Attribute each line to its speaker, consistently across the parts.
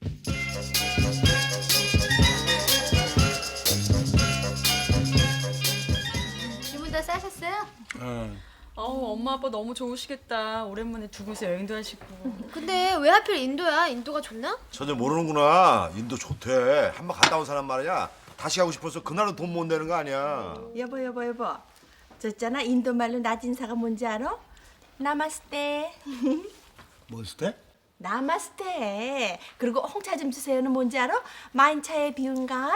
Speaker 1: 주문 다 싸셨어요?
Speaker 2: 엄마 아빠 너무 좋으시겠다. 오랜만에 두 곳에 여행도 하시고.
Speaker 1: 근데 왜 하필 인도야? 인도가 좋나?
Speaker 3: 전혀 모르는구나. 인도 좋대. 한 번 갔다 온 사람 말이야. 다시 가고 싶어서 그날은 돈 못 내는 거 아니야.
Speaker 4: 여보. 저 있잖아 인도 말로 낮 인사가 뭔지 알아? 나마스테.
Speaker 5: 뭔스테?
Speaker 4: 나마스테. 그리고 홍차 좀 주세요는 뭔지 알아? 만차의 비운가?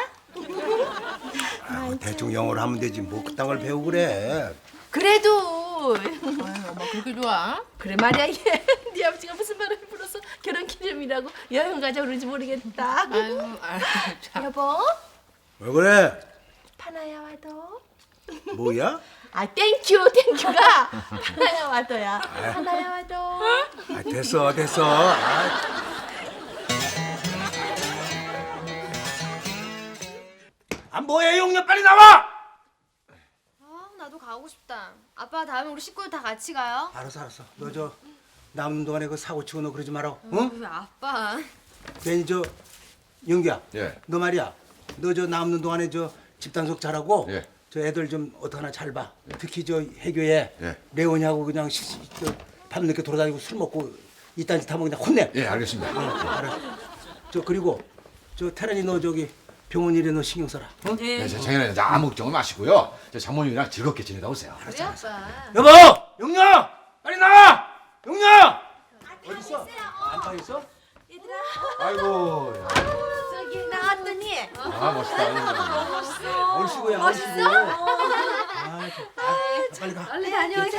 Speaker 5: 대충 영어로 하면 되지 뭐 그딴 걸 배우고 그래.
Speaker 4: 그래도
Speaker 1: 엄마 그렇게 좋아?
Speaker 4: 그래 말이야 얘. 네 아버지가 무슨 말을 불어서 결혼 기념이라고 여행 가자 그러는지 모르겠다.
Speaker 1: 아유, 참.
Speaker 4: 여보
Speaker 5: 왜 그래?
Speaker 4: 파나야 와도.
Speaker 5: 뭐야?
Speaker 4: 아 땡큐가 파나야 와도야. 파나야 와도.
Speaker 5: 아, 됐어. 아 뭐해 용녀 빨리 나와!
Speaker 1: 아, 나도 가고 싶다. 아빠 다음에 우리 식구들 다 같이 가요.
Speaker 5: 알았어. 너 저 남는 동안에 그 사고 치고 너 그러지 마라. 응?
Speaker 1: 왜 아빠?
Speaker 5: 괜히 저 영규야.
Speaker 3: 예.
Speaker 5: 너 말이야. 너 저 남는 동안에 저 집단속 잘하고.
Speaker 3: 예.
Speaker 5: 저 애들 좀 어떡하나 잘 봐. 특히 저 해교에
Speaker 3: 예.
Speaker 5: 레온이하고 그냥 밤늦게 돌아다니고 술 먹고 이딴 짓 하면 그냥 혼내.
Speaker 3: 예, 알겠습니다.
Speaker 5: 알았어. 저 그리고 저 태란이 너 저기 병원 일에 너 신경 써라. 응?
Speaker 3: 네, 장인어른 아무 걱정 마시고요. 저 장모님이랑 즐겁게 지내다 오세요.
Speaker 1: 그래 아빠.
Speaker 5: 여보! 영녀! 빨리 나와! 영녀! 어디 있어? 안방 있어?
Speaker 4: 얘들아
Speaker 3: 아이고.
Speaker 4: 저기 나왔더니
Speaker 3: 아, 멋있다.
Speaker 5: 얼씨구야 얼씨구. 빨리 가.
Speaker 1: 빨리 다녀오세요.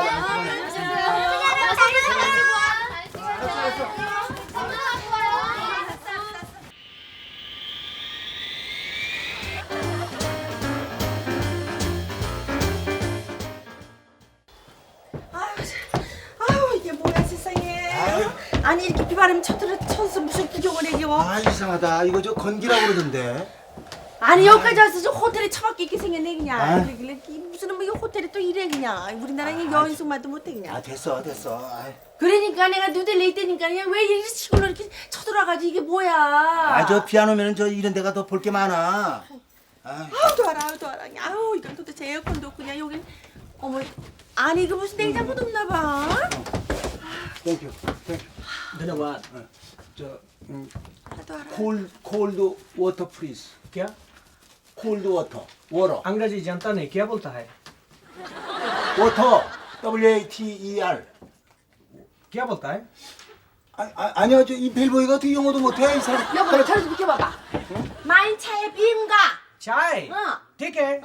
Speaker 4: 아유 이게 뭐야 세상에. 아니 이렇게 비바람이 쳐서 무슨 구경을 해 이거.
Speaker 5: 아 이상하다. 이거 저 건기라고 그러던데.
Speaker 4: 아니 여기까지 와서 저 호텔에 처박혀 있게 생겼네 그냥.
Speaker 5: 아.
Speaker 4: 그래, 무슨 뭐 이거 호텔에 또 이래 그냥. 우리나라는 여인숙만도 못해 그냥.
Speaker 5: 아 됐어. 아이.
Speaker 4: 그러니까 내가 누들레 있다니까 그냥 왜 이렇게 시골로 이렇게 쳐들어가지고 이게 뭐야.
Speaker 5: 저 피아노면은 저 이런 데가 더 볼 게 많아. 아,
Speaker 4: 아우 더워라. 아우 이건 도대체 에어컨도 없고 그냥 여기 어머 아니 이거 무슨 냉장고도 없나 봐.
Speaker 5: 땡큐.
Speaker 6: धन्यवाद
Speaker 5: 저
Speaker 4: 하나도 알아.
Speaker 5: 콜드 워터 프리즈.
Speaker 6: क्या
Speaker 5: 콜드 워터.
Speaker 6: अंग्रेजी जानता नहीं क्या बोलता है
Speaker 5: 워터. WATER.
Speaker 6: क्या बोलता है
Speaker 5: 아니요. 저 이 벨보이가 어떻게 영어도 못해 이 사람.
Speaker 4: 여보 저리 좀 비켜봐봐. 만차의 비인가?
Speaker 6: चाय
Speaker 4: 어.
Speaker 6: ठीक है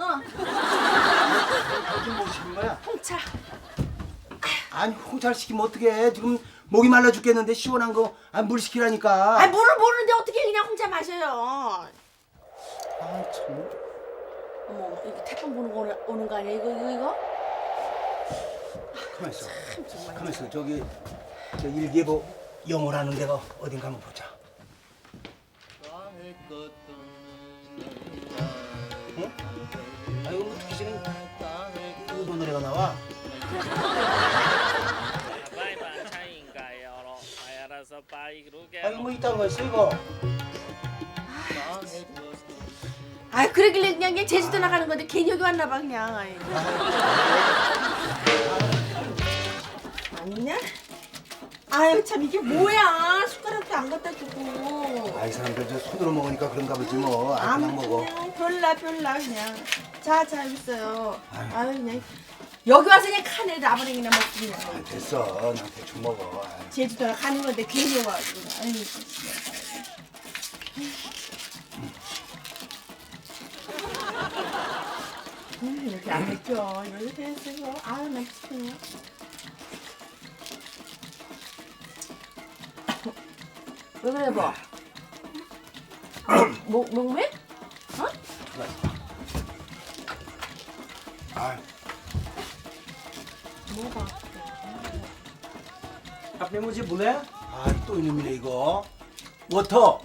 Speaker 5: 무슨 뭐 시킨 거야?
Speaker 4: 홍차.
Speaker 5: 아니 홍차를 시키면 어떡해. 지금 목이 말라 죽겠는데 시원한 거 물 시키라니까.
Speaker 4: 아 물을 모르는데 어떻게 그냥 홍차 마셔요.
Speaker 5: 아, 참.
Speaker 4: 어머 이거 태풍 부는 거 오는 거 아니야 이거?
Speaker 5: 가만 있어. 가만 있어. 저기 저 일기예보 영어로 하는 데가 어딘가 한번 보자. 응? 아 이거 어떻게 지금 일본 노래가 나와? 아 이거 뭐 이딴 거였어 이거?
Speaker 4: 아 그러길래 그냥 제주도 나가는 건데 괜히 여기 왔나 봐 그냥. 아이고. 아니냐? 아유 참 이게 뭐야 숟가락도 안 갖다 주고.
Speaker 5: 아 이 사람들 저 손으로 먹으니까 그런가 보지 뭐. 아, 그냥 먹어.
Speaker 4: 그냥 별나 그냥. 자 여기 있어요. 아유 그냥 여기 와서 그냥 칸에 라버랭이나 먹고 그냥.
Speaker 5: 아, 됐어. 나 대충 먹어. 아.
Speaker 4: 제주도 가는 건데 괜히 와가지고. 아유 이렇게 안 했죠. 이렇게 했어요. 아유 나 미치겠네. 왜 그래 뭐? 목매?
Speaker 5: 아,
Speaker 6: आपने मुझे बुलाया
Speaker 5: 아, 또 이놈이네 이거. 워터.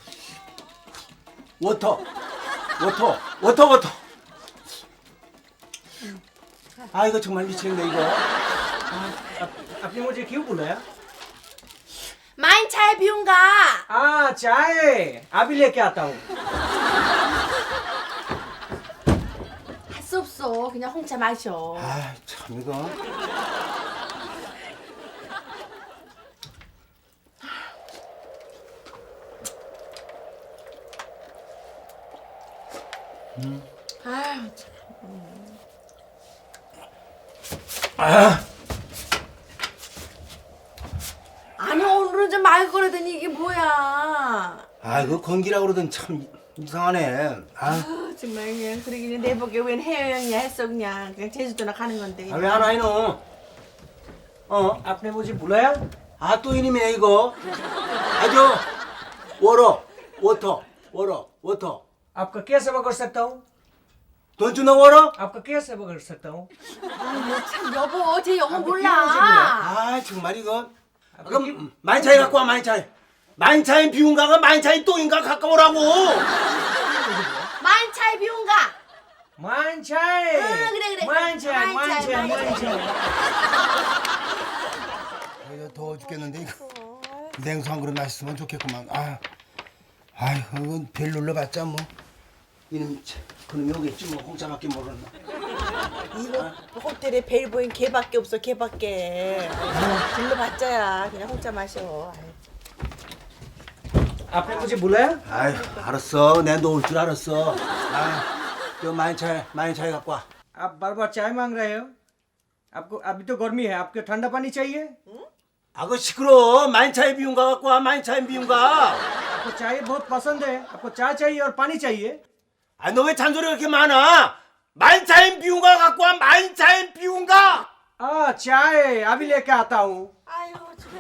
Speaker 5: 아 이거 정말 미치겠네 이거.
Speaker 6: आपने मुझे क्यों बुलाया
Speaker 4: 마인 차에 비운가?
Speaker 6: 아 चाय अभी लेके आता हूँ।
Speaker 4: 할 수 없어. 그냥 홍차 마셔.
Speaker 5: 아, 참 이거.
Speaker 4: 아유, 참. 아니 오늘은 좀 말 걸으더니 이게 뭐야?
Speaker 5: 아, 그 건기라고 그러던 참 이상하네. 아,
Speaker 4: 아, 정말 그냥 그러기는 내 보기에 웬 해외여행이야 했어 그냥 제주도나 가는 건데.
Speaker 5: 왜 안 와, 이놈?
Speaker 6: आपने मुझे बुलाया?
Speaker 5: 아, 또 이놈이네, 이거. 아주, 워터, 워터.
Speaker 6: आपका क्या सेवा कर सकता हूँ?
Speaker 5: Don't you know water?
Speaker 6: आपका क्या सेवा कर सकता हूँ?
Speaker 4: 아유 참 여보 제 영어
Speaker 6: 비밀이지,
Speaker 4: 몰라.
Speaker 5: 아, 정말 이거. 아, 그럼 만차이 갖고 와, 만차이. 만차이 비운가가 만차이 똥인가 가까우라고.
Speaker 4: 만차에 비운가?
Speaker 6: 만차이.
Speaker 4: 그래.
Speaker 6: 만차이.
Speaker 5: 이거 더워 죽겠는데 이거. 냉수 한 그릇 마셨으면 좋겠구만. 아휴, 이건 별 눌러봤자 뭐. 이놈 그놈이 오겠지 뭐 홍차밖에 모르나.
Speaker 4: 이거 호텔에 벨보인 걔밖에 없어 걔밖에. 불러봤자야 그냥 홍차 마셔.
Speaker 6: आपने मुझे बुलाया?
Speaker 5: 아휴, 알았어. 내가 너 올 줄 알았어. 저 만차이 갖고 와.
Speaker 6: आप बार बार चाय मांग रहे हो? आपको अभी तो गर्मी है, आपको ठंडा पानी चाहिए?
Speaker 5: 그 시끄러. 만차이 비운가 갖고 와. 만차이 비운가.
Speaker 6: आपको चाय बहुत पसंद है, आपको चाय चाहिए और पानी चाहिए?
Speaker 5: 너 왜 잔소리가 그렇게 많아? 만차이 비운가 갖고 와. 만차이 비운가.
Speaker 6: चाय अभी लेके आता हूँ।
Speaker 4: 아유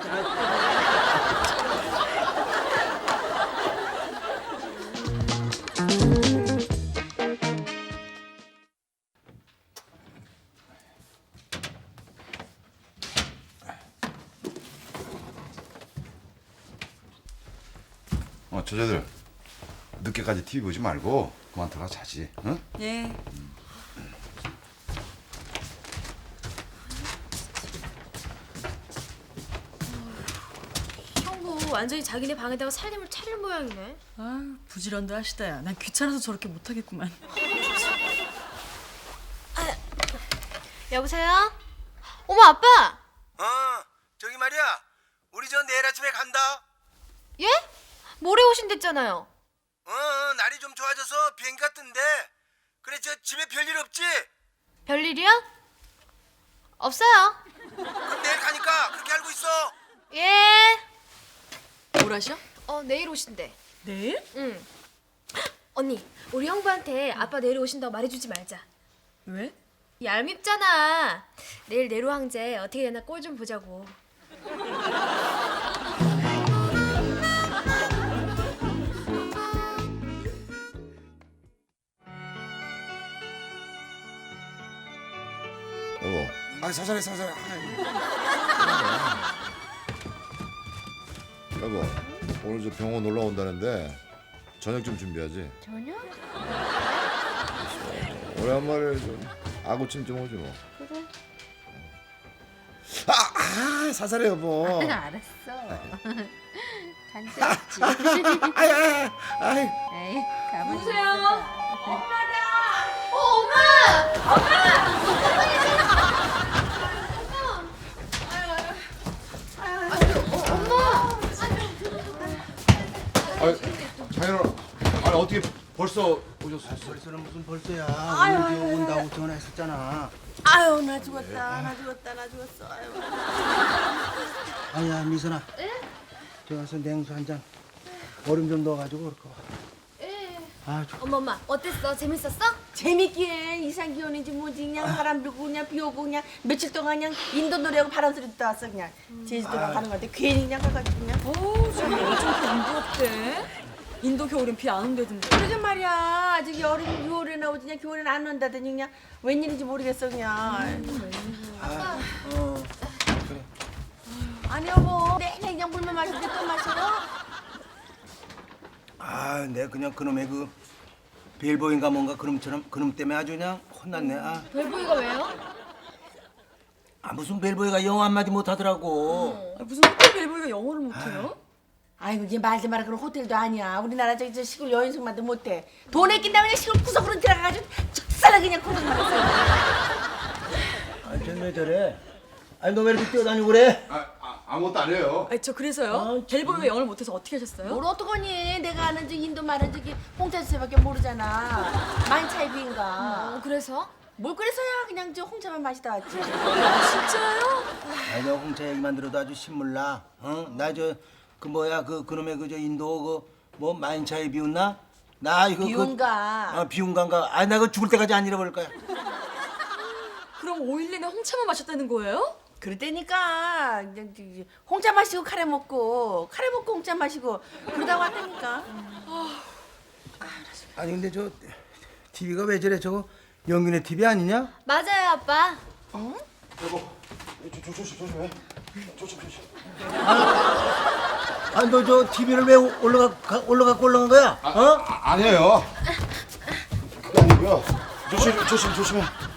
Speaker 3: 저자들 늦게까지 TV 보지 말고 그만 들어가 자지. 응?
Speaker 2: 예.
Speaker 1: 형부 완전히 자기네 방에다가 살림을 차릴 모양이네.
Speaker 2: 아, 부지런도 하시다야. 난 귀찮아서 저렇게 못하겠구만.
Speaker 1: 여보세요? 어머 아빠!
Speaker 5: 저기 말이야. 우리 저 내일 아침에 간다.
Speaker 1: 예? 모레 오신댔잖아요.
Speaker 5: 날이 좀 좋아져서 비행기가 뜬대. 그래, 저 집에 별일 없지?
Speaker 1: 별일이요? 없어요.
Speaker 5: 그럼 내일 가니까 그렇게 알고 있어.
Speaker 1: 예.
Speaker 2: 뭐라셔?
Speaker 1: 내일 오신대.
Speaker 2: 내일?
Speaker 1: 응. 언니, 우리 형부한테 아빠 내일 오신다고 말해주지 말자.
Speaker 2: 왜?
Speaker 1: 얄밉잖아. 내일 내로 황제 어떻게 되나 꼴 좀 보자고.
Speaker 3: 여보, 사살해. 여보, 오늘 저 병원 놀러 온다는데 저녁 좀 준비하지.
Speaker 1: 저녁?
Speaker 3: 오랜만에 좀 아구찜 좀 오지 뭐.
Speaker 1: 그래.
Speaker 3: 사살해 여보.
Speaker 7: 알았어. 간장있지. 에이, 가만히
Speaker 1: 누구세요?
Speaker 7: 있어봐.
Speaker 3: 장인어른, 어떻게 벌써 오셨어요?
Speaker 5: 벌써는 무슨 벌써야. 오늘 온다고 전화했었잖아.
Speaker 4: 아유 나 죽었어. 아유.
Speaker 5: 아니야, 미선아. 저 와서 냉수 한 잔. 얼음 좀 넣어가지고 그럴까 봐.
Speaker 1: 엄마 어땠어? 재밌었어?
Speaker 4: 재밌긴 이상 기온인지 뭐지 그냥 바람 불고 그냥 비 오고 그냥 며칠 동안 그냥 인도 노래하고 바람 소리 듣다 왔어 그냥 제주도가 가는 건데 괜히 그냥 가가지고 그냥
Speaker 2: 어우, 정말 어쩜 인도 없대? 인도 겨울엔 비 안 온다던데.
Speaker 4: 그러게 말이야 아직 여름 6월에 나오지 그냥 겨울에는 안 온다더니 그냥 웬일인지 모르겠어 그냥 아니 여보 내내 그냥 물만 마시는데 또 마셔?
Speaker 5: 내 그냥 그놈의 그 벨보인가 뭔가 그놈 때문에 아주 그냥 혼났네.
Speaker 1: 별보이가 왜요?
Speaker 5: 무슨 벨보이가 영어 한마디 못하더라고.
Speaker 2: 무슨 호텔 벨보이가 영어를 못해요?
Speaker 4: 아이고 이제 말도 마라 그런 호텔도 아니야. 우리나라 저기 저 시골 여인숙만도 못해. 돈에 낀다면 그냥 시골 구석으로 들어가가지고 적살하게 그냥 고생만 했어.
Speaker 5: 아, 쟤왜 저래? 아니 너 왜 이렇게 뛰어다니고 그래?
Speaker 3: 아무것도 안 해요.
Speaker 2: 아니 저 그래서요? 델보이 왜 영어를 못해서 어떻게 하셨어요?
Speaker 4: 뭘 어떡하니? 내가 아는 저 인도 말은 저기 홍차주세밖에 모르잖아. 만차이비인가.
Speaker 1: 그래서?
Speaker 4: 뭘 그래서야 그냥 저 홍차만 마시다 왔지.
Speaker 2: 진짜요?
Speaker 5: 아니 너 홍차 얘기만 들어도 아주 신물나. 나 저 그 뭐야 그놈의 그 저 인도 그 뭐 만차에 비웃나? 나 이거
Speaker 4: 비운가.
Speaker 5: 비운가인가? 아 나 그 죽을 때까지 안 잃어버릴 거야.
Speaker 2: 그럼 5일 내내 홍차만 마셨다는 거예요?
Speaker 4: 그랬다니까. 그냥 저기 홍차 마시고 카레 먹고 홍차 마시고 그러다 왔다니까.
Speaker 5: 아니 근데 저 TV가 왜 저래? 저거 영균의 TV 아니냐?
Speaker 1: 맞아요, 아빠.
Speaker 3: 조심해. 조심.
Speaker 5: 아니 너 저 TV를 왜 올라간 거야?
Speaker 3: 아니에요. 그게 아니고요. 조심해.